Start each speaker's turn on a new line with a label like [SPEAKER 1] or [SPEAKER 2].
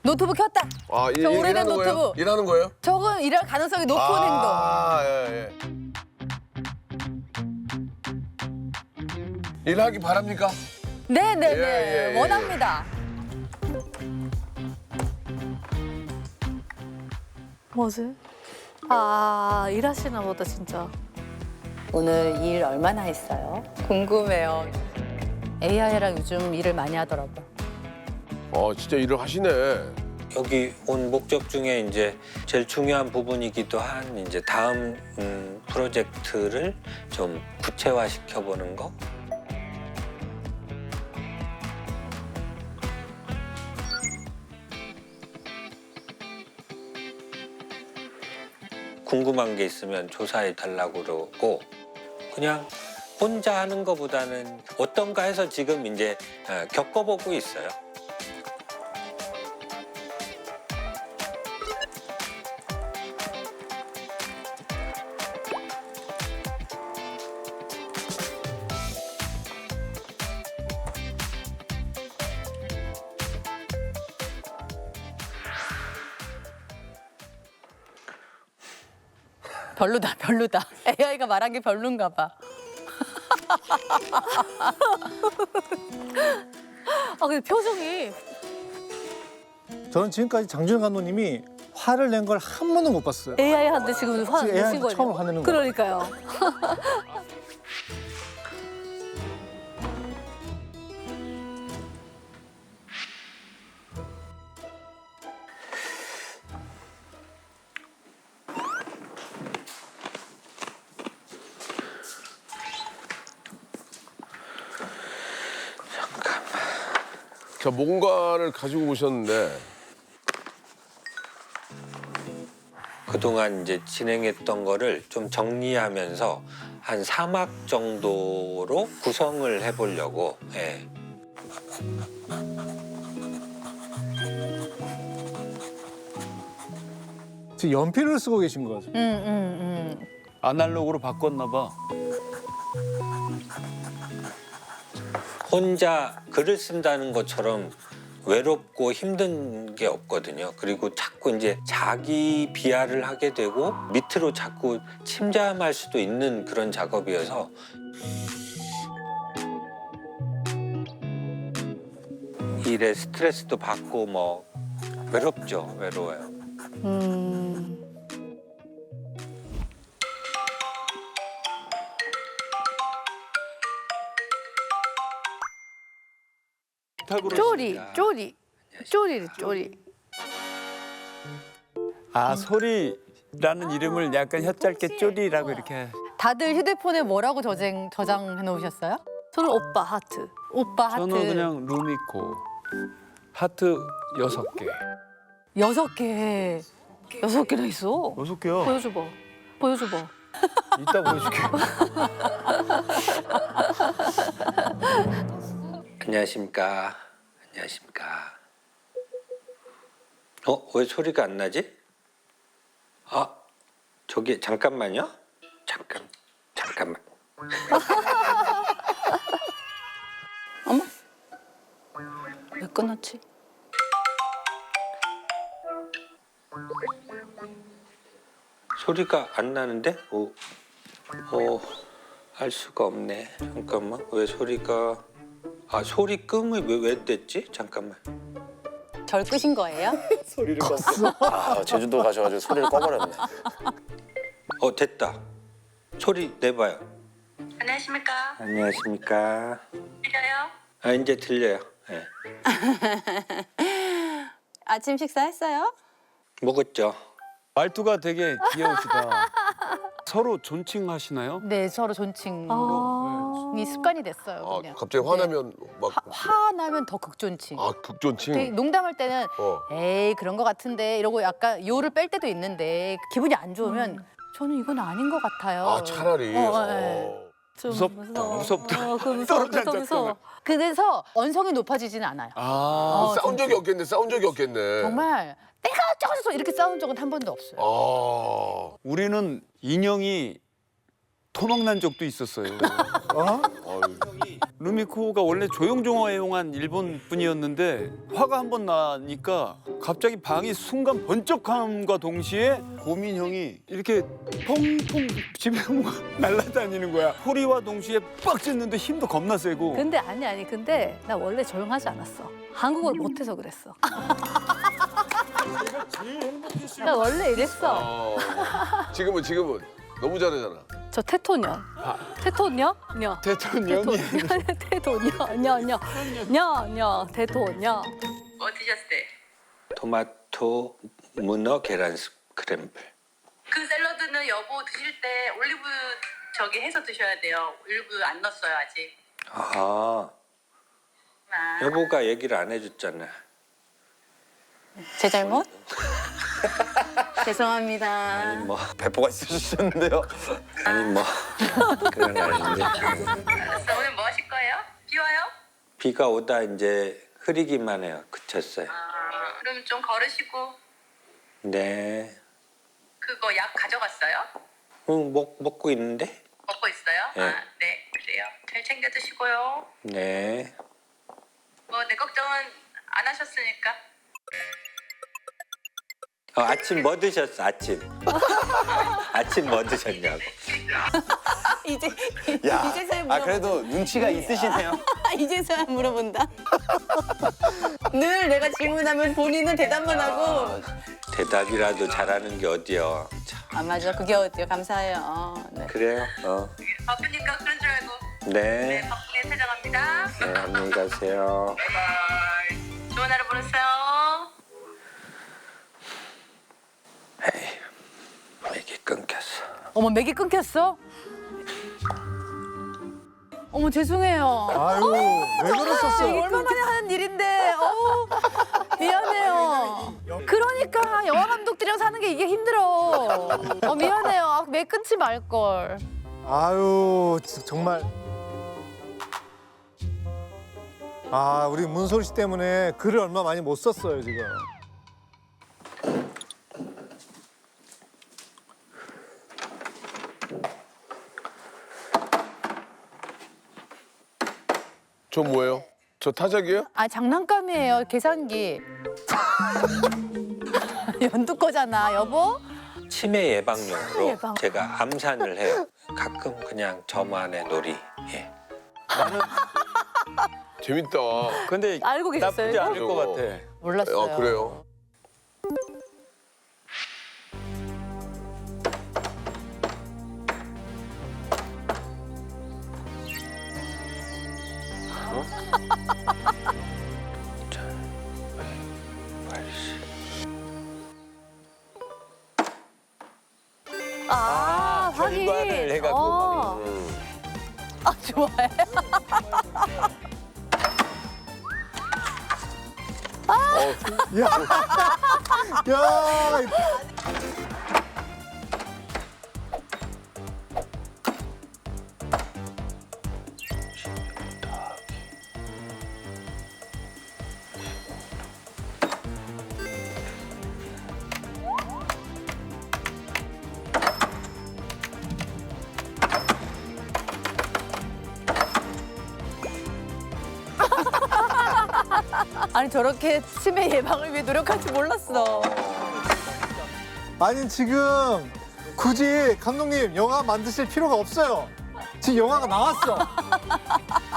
[SPEAKER 1] 노트북 켰다.
[SPEAKER 2] 아,
[SPEAKER 1] 저 오래된
[SPEAKER 2] 일하는 거예요?
[SPEAKER 1] 노트북.
[SPEAKER 2] 일하는 거예요?
[SPEAKER 1] 저건 일할 가능성이 높은 행동.
[SPEAKER 2] 아, 예, 예. 일하기 바랍니까?
[SPEAKER 1] 네네네.
[SPEAKER 2] 예, 예.
[SPEAKER 1] 원합니다.
[SPEAKER 3] 뭐지? 아, 일하시나 보다, 진짜.
[SPEAKER 1] 오늘 일 얼마나 했어요? 궁금해요. AI랑 요즘 일을 많이 하더라고요.
[SPEAKER 2] 진짜 일을 하시네.
[SPEAKER 4] 여기 온 목적 중에 이제 제일 중요한 부분이기도 한 이제 다음 프로젝트를 좀 구체화시켜 보는 거. 궁금한 게 있으면 조사해 달라고 그러고 그냥 혼자 하는 것보다는 어떤가 해서 지금 이제 겪어보고 있어요.
[SPEAKER 1] 별로다, 별로다. AI가 말한 게 별론가 봐.
[SPEAKER 3] 아, 근데 표정이.
[SPEAKER 5] 저는 지금까지 장준영 감독님이 화를 낸 걸 한 번도 못 봤어요.
[SPEAKER 3] AI한테 지금 화
[SPEAKER 5] 지금
[SPEAKER 3] 내신
[SPEAKER 5] AI 한테
[SPEAKER 3] 거예요?
[SPEAKER 5] 처음 화내는 거예요.
[SPEAKER 3] 그러니까요.
[SPEAKER 2] 자, 뭔가를 가지고 오셨는데.
[SPEAKER 4] 그동안 이제 진행했던 거를 좀 정리하면서 한 3막 정도로 구성을 해보려고. 예.
[SPEAKER 5] 지금 연필을 쓰고 계신 거죠.
[SPEAKER 6] 아날로그로 바꿨나 봐.
[SPEAKER 4] 혼자 글을 쓴다는 것처럼 외롭고 힘든 게 없거든요. 그리고 자꾸 이제 자기 비하를 하게 되고 밑으로 자꾸 침잠할 수도 있는 그런 작업이어서 일에 스트레스도 받고 뭐 외롭죠. 외로워요.
[SPEAKER 3] 쪼리, 쪼리. 쪼리래, 쪼리.
[SPEAKER 6] 아, 소리라는 이름을 약간 혀짧게 쪼리라고 이렇게.
[SPEAKER 1] 다들 휴대폰에 뭐라고 저장해 놓으셨어요?
[SPEAKER 3] 저는 오빠 하트.
[SPEAKER 1] 오빠 하트.
[SPEAKER 6] 저는 그냥 루미코. 하트 6개.
[SPEAKER 1] 6개.
[SPEAKER 3] 6개나 있어.
[SPEAKER 6] 6개요?
[SPEAKER 3] 보여줘봐. 보여줘봐.
[SPEAKER 6] 이따 보여줄게.
[SPEAKER 4] 안녕하십니까. 안녕하십니까. 왜 소리가 안 나지? 아, 저기 잠깐만요. 잠깐만.
[SPEAKER 1] 왜 끊었지?
[SPEAKER 4] 소리가 안 나는데? 알 수가 없네. 잠깐만. 왜 소리가 소리 끔이 왜 됐지? 잠깐만.
[SPEAKER 1] 절 끄신 거예요?
[SPEAKER 5] 소리를 껐어.
[SPEAKER 7] 아, 제주도 가셔가지고 소리를 꺼버렸네.
[SPEAKER 4] 됐다. 소리 내봐요.
[SPEAKER 8] 안녕하십니까?
[SPEAKER 4] 안녕하십니까.
[SPEAKER 8] 들려요?
[SPEAKER 4] 이제 들려요. 네.
[SPEAKER 1] 아침 식사했어요?
[SPEAKER 4] 먹었죠.
[SPEAKER 6] 말투가 되게 귀여우시다. 서로 존칭하시나요?
[SPEAKER 1] 네, 서로 존칭이
[SPEAKER 3] 아.
[SPEAKER 1] 습관이 됐어요.
[SPEAKER 2] 아,
[SPEAKER 1] 그냥.
[SPEAKER 2] 갑자기 화나면 막.
[SPEAKER 1] 화나면 더 극존칭. 되게
[SPEAKER 2] 극존칭.
[SPEAKER 1] 농담할 때는
[SPEAKER 2] 어.
[SPEAKER 1] 에이 그런 거 같은데 이러고 약간 요를 뺄 때도 있는데 기분이 안 좋으면 저는 이건 아닌 것 같아요.
[SPEAKER 2] 차라리.
[SPEAKER 1] 네.
[SPEAKER 3] 좀
[SPEAKER 6] 무섭다, 무섭다.
[SPEAKER 3] 그 무서워.
[SPEAKER 1] 그래서 언성이 높아지지는 않아요.
[SPEAKER 2] 싸운 적이 없겠네, 싸운 적이 없겠네.
[SPEAKER 1] 정말 내가 어쩌고저쩌고 이렇게 싸운 적은 한 번도 없어요.
[SPEAKER 6] 우리는 인형이 토막난 적도 있었어요.
[SPEAKER 5] 어?
[SPEAKER 6] 루미코가 원래 조용조용한 일본 분이었는데 화가 한 번 나니까 갑자기 방이 순간 번쩍함과 동시에 고민 형이 이렇게 펑펑 집에 뭔가 날아다니는 거야. 소리와 동시에 빡 짖는데 힘도 겁나 세고.
[SPEAKER 3] 근데 아니 근데 나 원래 조용하지 않았어. 한국어 못해서 그랬어. 나 원래 이랬어.
[SPEAKER 2] 지금은 너무 잘하잖아.
[SPEAKER 3] 저 테토녀. 테토녀? 녀.
[SPEAKER 6] 대통령이
[SPEAKER 3] 테토녀. 녀. 테토녀.
[SPEAKER 8] 뭐 드셨어요?
[SPEAKER 4] 토마토 문어 계란 스크램블.
[SPEAKER 8] 그 샐러드는 여보 드실 때 올리브 저기 해서 드셔야 돼요. 올리브 안 넣었어요 아직.
[SPEAKER 4] 아,
[SPEAKER 8] 아.
[SPEAKER 4] 여보가 얘기를 안 해줬잖아.
[SPEAKER 1] 제 잘못? 죄송합니다.
[SPEAKER 4] 아니 뭐
[SPEAKER 7] 배포가 있으셨는데요.
[SPEAKER 4] 아니 뭐 그건 아닌데.
[SPEAKER 8] 알았어. 오늘 뭐 하실 거예요? 비 와요?
[SPEAKER 4] 비가 오다 이제 흐리기만 해요. 그쳤어요.
[SPEAKER 8] 아, 그럼 좀 걸으시고
[SPEAKER 4] 네.
[SPEAKER 8] 그거 약 가져갔어요?
[SPEAKER 4] 응, 먹고 있는데?
[SPEAKER 8] 먹고 있어요?
[SPEAKER 4] 네.
[SPEAKER 8] 아, 네 그래요. 잘 챙겨 드시고요.
[SPEAKER 4] 네.
[SPEAKER 8] 뭐 내 걱정은 안 하셨으니까.
[SPEAKER 4] 아침 뭐 드셨어? 아침. 아침 뭐 드셨냐고.
[SPEAKER 1] 이제
[SPEAKER 7] 야,
[SPEAKER 1] 이제서야 물어본다.
[SPEAKER 7] 그래도 눈치가 있으시네요.
[SPEAKER 1] 이제서야 물어본다. 늘 내가 질문하면 본인은 대답만 하고.
[SPEAKER 4] 대답이라도 잘하는 게 어디요. 참,
[SPEAKER 1] 아 맞아 그게 어때요? 감사해요. 네.
[SPEAKER 4] 그래요?
[SPEAKER 8] 바쁘니까 그런 줄 알고.
[SPEAKER 4] 네.
[SPEAKER 8] 네 바쁘게 퇴장합니다.
[SPEAKER 4] 네, 안녕히 가세요.
[SPEAKER 8] 바이바이. 좋은 하루 보내세요.
[SPEAKER 4] 에이, 이게 끊겼어.
[SPEAKER 3] 어머 맥이 끊겼어? 어머 죄송해요.
[SPEAKER 5] 아유, 왜 그러셨어?
[SPEAKER 3] 이게 얼마만에 하는 일인데. 미안해요. 그러니까 영화 감독들이랑 사는 게 이게 힘들어. 미안해요. 맥 끊지 말 걸.
[SPEAKER 5] 아유, 정말. 아, 우리 문소리 씨 때문에 글을 얼마 많이 못 썼어요, 지금.
[SPEAKER 2] 저 뭐예요? 저 타작이에요?
[SPEAKER 3] 아 장난감이에요. 계산기. 연두 거잖아, 여보.
[SPEAKER 4] 치매 예방용으로
[SPEAKER 3] 예방.
[SPEAKER 4] 제가 암산을 해요. 가끔 그냥 저만의 놀이. 예.
[SPEAKER 2] 재밌다.
[SPEAKER 6] 근데
[SPEAKER 3] 알고 계셨어요,
[SPEAKER 6] 나쁘지
[SPEAKER 3] 이거?
[SPEAKER 6] 않을 것 같아.
[SPEAKER 1] 몰랐어요.
[SPEAKER 2] 아 그래요?
[SPEAKER 3] 아, 확인.
[SPEAKER 6] 결과를 해갖고.
[SPEAKER 3] 아, 좋아해.
[SPEAKER 5] 야,
[SPEAKER 3] 아니 저렇게 치매 예방을 위해 노력할 줄 몰랐어.
[SPEAKER 5] 아니 지금 굳이 감독님 영화 만드실 필요가 없어요. 지금 영화가 나왔어.